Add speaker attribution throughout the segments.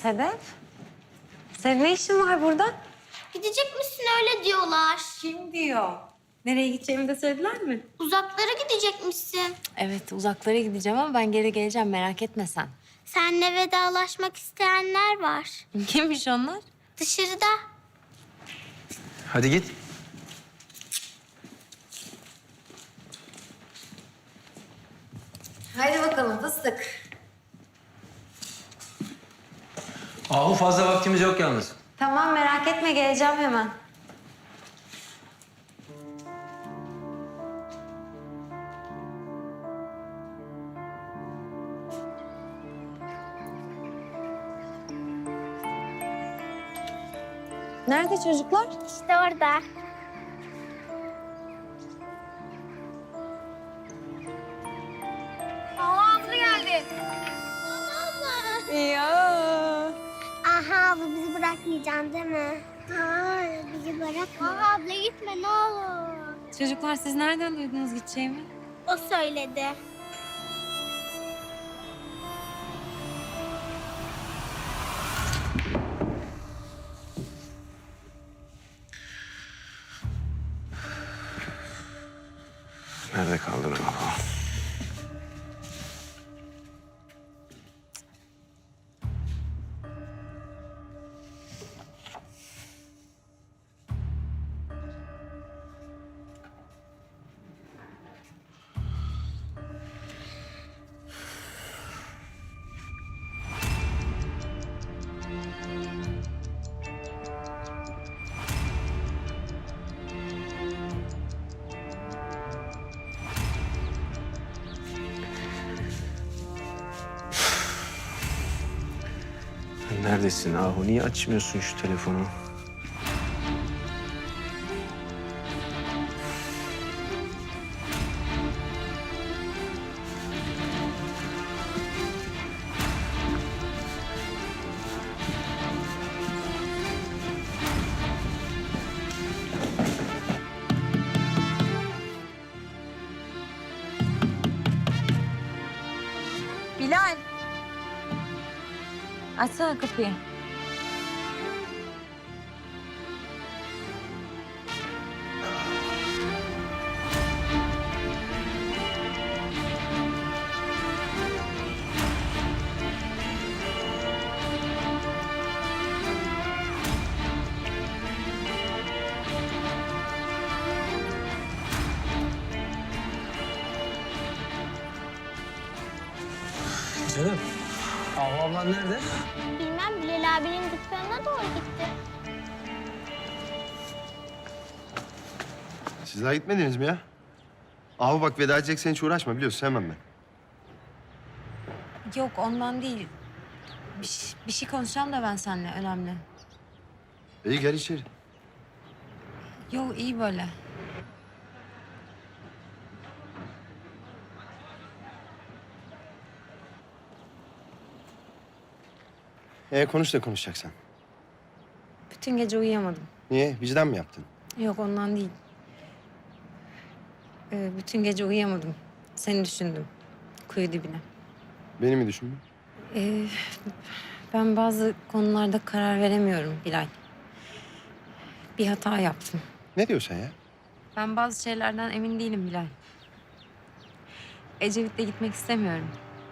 Speaker 1: Sedef, senin ne işin var burada?
Speaker 2: Gidecek misin öyle diyorlar.
Speaker 1: Kim diyor? Nereye gideceğimi de söylediler mi?
Speaker 2: Uzaklara gidecekmişsin.
Speaker 1: Evet, uzaklara gideceğim ama ben geri geleceğim, merak etme sen.
Speaker 2: Seninle vedalaşmak isteyenler var.
Speaker 1: Kimmiş onlar?
Speaker 2: Dışarıda.
Speaker 3: Hadi git.
Speaker 1: Haydi bakalım fıstık.
Speaker 3: Ahu fazla vaktimiz yok yalnız.
Speaker 1: Tamam, merak etme, geleceğim hemen. Nerede çocuklar?
Speaker 2: İşte orada. Abla geldi.
Speaker 1: Ya.
Speaker 2: Aha abla bizi bırakmayacaksın değil mi? Hayır bizi bırakma. Aha abla gitme ne olur.
Speaker 1: Çocuklar siz nereden duydunuz gideceğimi?
Speaker 2: O söyledi.
Speaker 3: Nerede kaldın Ahu? Neredesin Ahu? Niye açmıyorsun şu telefonu?
Speaker 1: Bilal. Açsana kapıyı.
Speaker 3: Canım, Ahu ablan nerede?
Speaker 2: Bilmem Bilal abinin dükkanına doğru gitti.
Speaker 4: Siz daha gitmediniz mi ya? Ahu bak veda edeceksen hiç uğraşma biliyorsun sevmem ben.
Speaker 1: Yok ondan değil. Bir şey konuşacağım da ben seninle önemli.
Speaker 4: İyi gel içeri.
Speaker 1: Yok iyi böyle.
Speaker 4: Konuş da konuşacaksan.
Speaker 1: Bütün gece uyuyamadım.
Speaker 4: Niye? Vicdan mı yaptın?
Speaker 1: Yok ondan değil. Bütün gece uyuyamadım. Seni düşündüm. Kuyu dibine.
Speaker 4: Beni mi düşündün?
Speaker 1: Ben bazı konularda karar veremiyorum Bilal. Bir hata yaptım.
Speaker 4: Ne diyorsun ya?
Speaker 1: Ben bazı şeylerden emin değilim Bilal. Ecevit'le gitmek istemiyorum.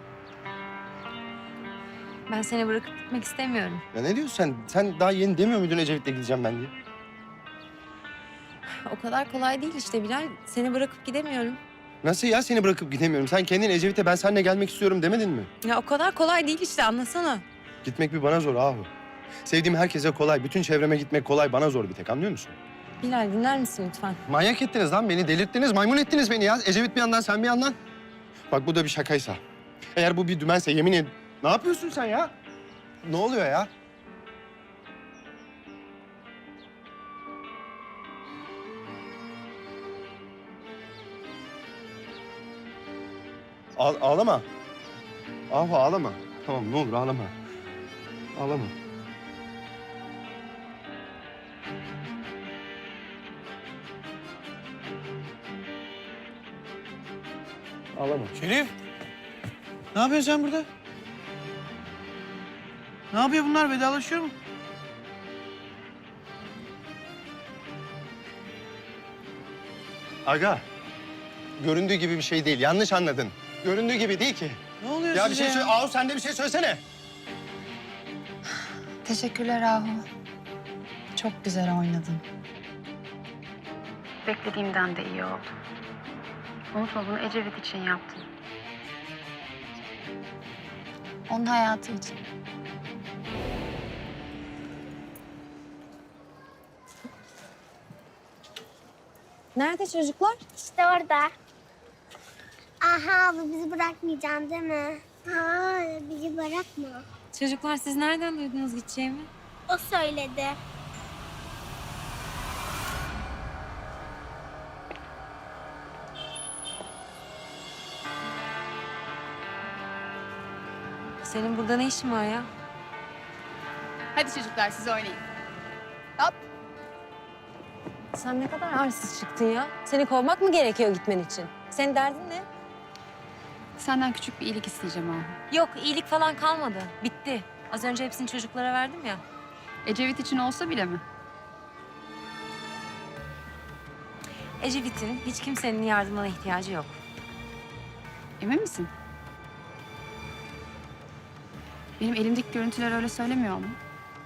Speaker 1: Ben seni bırakıp gitmek istemiyorum.
Speaker 4: Ya ne diyorsun sen? Sen daha yeni demiyor muydun Ecevit'le gideceğim ben diye?
Speaker 1: O kadar kolay değil işte Bilal. Seni bırakıp gidemiyorum.
Speaker 4: Nasıl ya seni bırakıp gidemiyorum? Sen kendin Ecevit'e ben seninle gelmek istiyorum demedin mi?
Speaker 1: Ya o kadar kolay değil işte anlasana.
Speaker 4: Gitmek bir bana zor Ahu. Sevdiğim herkese kolay. Bütün çevreme gitmek kolay. Bana zor bir tek anlıyor musun?
Speaker 1: Bilal dinler misin lütfen?
Speaker 4: Manyak ettiniz lan beni. Delirttiniz. Maymun ettiniz beni ya. Ecevit bir yandan sen bir yandan. Bak bu da bir şakaysa. Eğer bu bir dümense yemin ederim. Ne yapıyorsun sen ya? Ne oluyor ya? Ağlama. Ahu ağlama. Tamam ne olur ağlama. Ağlama. Ağlama.
Speaker 5: Şerif, ne yapıyorsun sen burada? Ne yapıyor bunlar? Vedalaşıyor mu?
Speaker 4: Aga, göründüğü gibi bir şey değil. Yanlış anladın. Göründüğü gibi değil ki.
Speaker 5: Ne oluyor
Speaker 4: Ya bir
Speaker 5: size
Speaker 4: şey söyle. Ahu sen de bir şey söylesene.
Speaker 6: Teşekkürler Ahu. Çok güzel oynadın. Beklediğimden de iyi oldu. Unutma bunu Ecevit için yaptım. Onun hayatı için.
Speaker 1: Nerede çocuklar?
Speaker 2: İşte orada. Aha abla bizi bırakmayacaksın değil mi? Hayır bizi bırakma.
Speaker 1: Çocuklar siz nereden duydunuz gideceğimi?
Speaker 2: O söyledi.
Speaker 1: Senin burada ne işin var ya?
Speaker 7: Hadi çocuklar siz oynayın.
Speaker 1: Sen ne kadar arsız çıktın ya. Seni kovmak mı gerekiyor gitmen için? Senin derdin ne?
Speaker 6: Senden küçük bir iyilik isteyeceğim Ahu.
Speaker 1: Yok, iyilik falan kalmadı. Bitti. Az önce hepsini çocuklara verdim ya.
Speaker 6: Ecevit için olsa bile mi?
Speaker 1: Ecevit'in hiç kimsenin yardımına ihtiyacı yok.
Speaker 6: Emin misin? Benim elimdeki görüntüler öyle söylemiyor mu?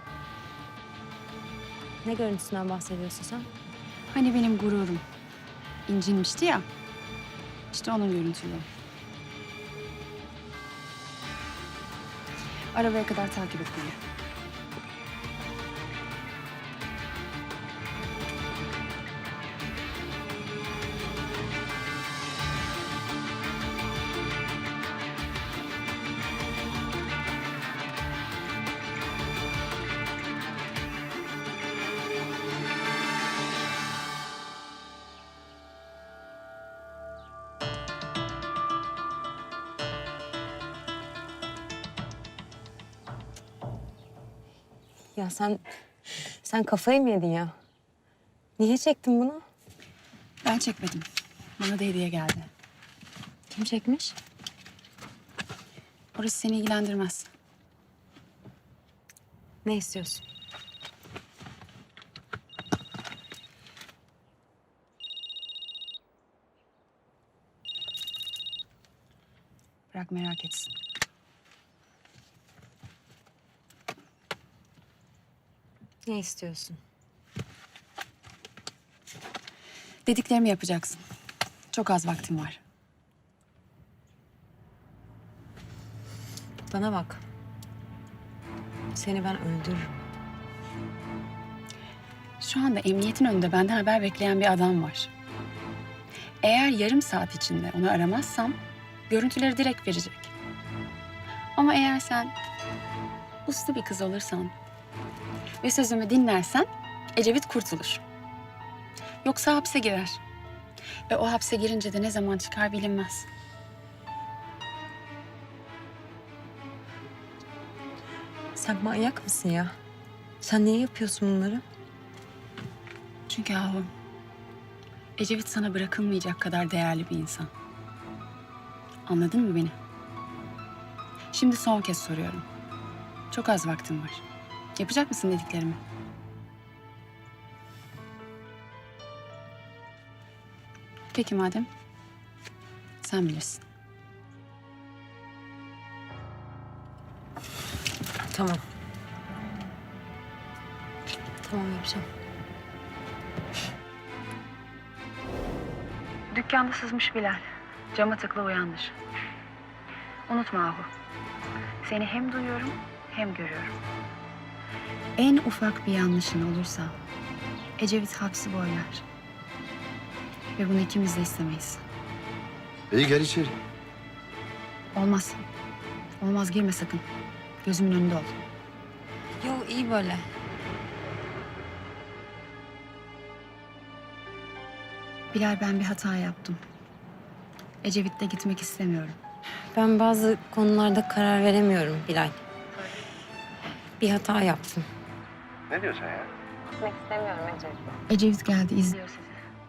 Speaker 1: Ne görüntüsünden bahsediyorsun sen?
Speaker 6: Hani benim gururum incinmişti ya. İşte onun görüntüleri. Arabaya kadar takip et beni.
Speaker 1: Ya sen kafayı mı yedin ya? Niye çektin bunu?
Speaker 6: Ben çekmedim. Bana da hediye geldi.
Speaker 1: Kim çekmiş?
Speaker 6: Orası seni ilgilendirmez.
Speaker 1: Ne istiyorsun?
Speaker 6: Bırak merak etsin.
Speaker 1: Ne istiyorsun?
Speaker 6: Dediklerimi yapacaksın. Çok az vaktim var.
Speaker 1: Bana bak. Seni ben öldürürüm.
Speaker 6: Şu anda emniyetin önünde benden haber bekleyen bir adam var. Eğer yarım saat içinde onu aramazsam görüntüleri direkt verecek. Ama eğer sen uslu bir kız olursan ve sözümü dinlersen Ecevit kurtulur. Yoksa hapse girer. Ve o hapse girince de ne zaman çıkar bilinmez.
Speaker 1: Sen manyak mısın ya? Sen niye yapıyorsun bunları?
Speaker 6: Çünkü Ahu, Ecevit sana bırakılmayacak kadar değerli bir insan. Anladın mı beni? Şimdi son kez soruyorum. Çok az vaktim var. Yapacak mısın dediklerimi? Peki madem. Sen bilirsin.
Speaker 1: Tamam. Tamam yapacağım.
Speaker 6: Dükkanda sızmış Bilal. Cama tıkla uyandır. Unutma Ahu. Seni hem duyuyorum hem görüyorum. En ufak bir yanlışın olursa Ecevit hapsi boylar. Ve bunu ikimiz de istemeyiz.
Speaker 4: İyi gel içeri.
Speaker 6: Olmaz. Olmaz girme sakın. Gözümün önünde ol.
Speaker 1: Yo iyi böyle.
Speaker 6: Bilal ben bir hata yaptım. Ecevit'le gitmek istemiyorum.
Speaker 1: Ben bazı konularda karar veremiyorum Bilal. Bir hata yaptım.
Speaker 4: Ne diyorsun ya?
Speaker 1: Gitmek istemiyorum Ecevit.
Speaker 6: Ecevit geldi izliyor sizi.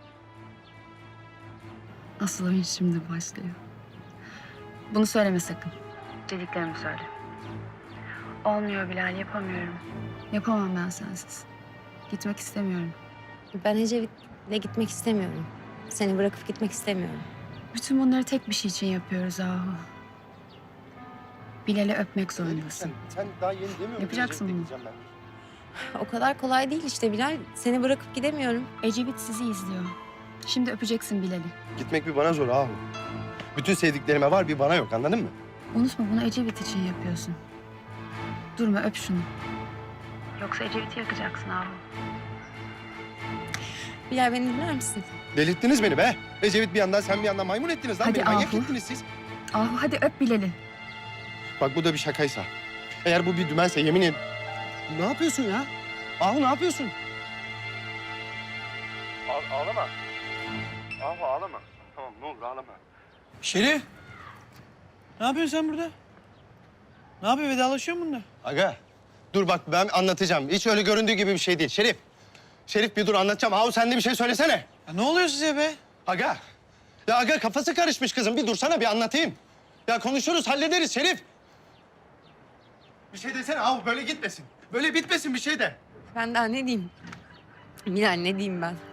Speaker 6: Asıl oyun şimdi başlıyor. Bunu söyleme sakın. Dediklerimi söyle. Olmuyor Bilal, yapamıyorum. Yapamam ben sensiz. Gitmek istemiyorum.
Speaker 1: Ben Ecevit'le gitmek istemiyorum. Seni bırakıp gitmek istemiyorum.
Speaker 6: Bütün bunları tek bir şey için yapıyoruz Ahu. Bilal'i öpmek zorundasın.
Speaker 4: Sen daha yeni demiyor muydun?
Speaker 6: Yapacaksın
Speaker 4: Ecevit'le
Speaker 6: bunu.
Speaker 4: gideceğim ben.
Speaker 1: O kadar kolay değil işte Bilal. Seni bırakıp gidemiyorum.
Speaker 6: Ecevit sizi izliyor. Şimdi öpeceksin Bilal'i.
Speaker 4: Gitmek bir bana zor Ahu. Bütün sevdiklerime var, bir bana yok, anladın mı?
Speaker 6: Unutma, bunu Ecevit için yapıyorsun. Durma, öp şunu. Yoksa Ecevit'i yakacaksın Ahu.
Speaker 1: Bilal beni dinler misin?
Speaker 4: Delirttiniz beni be. Ecevit bir yandan, sen bir yandan maymun ettiniz lan.
Speaker 6: Hadi
Speaker 4: Beni manyak
Speaker 6: Ahu.
Speaker 4: ettiniz siz.
Speaker 6: Ahu hadi öp Bilal'i.
Speaker 4: Bak bu da bir şakaysa. Eğer bu bir dümense yemin ederim... Ne yapıyorsun ya? Ahu ne yapıyorsun? Ağlama. Ahu ağlama. Tamam ne olur ağlama.
Speaker 5: Şerif. Ne yapıyorsun sen burada? Ne yapıyor? Vedalaşıyor musun bununla?
Speaker 4: Aga dur bak ben anlatacağım. Hiç öyle göründüğü gibi bir şey değil. Şerif. Şerif bir dur anlatacağım. Ahu sen de bir şey söylesene.
Speaker 5: Ya ne oluyor size be?
Speaker 4: Aga. Ya aga kafası karışmış kızım. Bir dursana bir anlatayım. Ya konuşuruz hallederiz Şerif. Bir şey desene Ahu böyle gitmesin. Böyle bitmesin bir şey de.
Speaker 1: Ben daha ne diyeyim? Bilal ne diyeyim ben?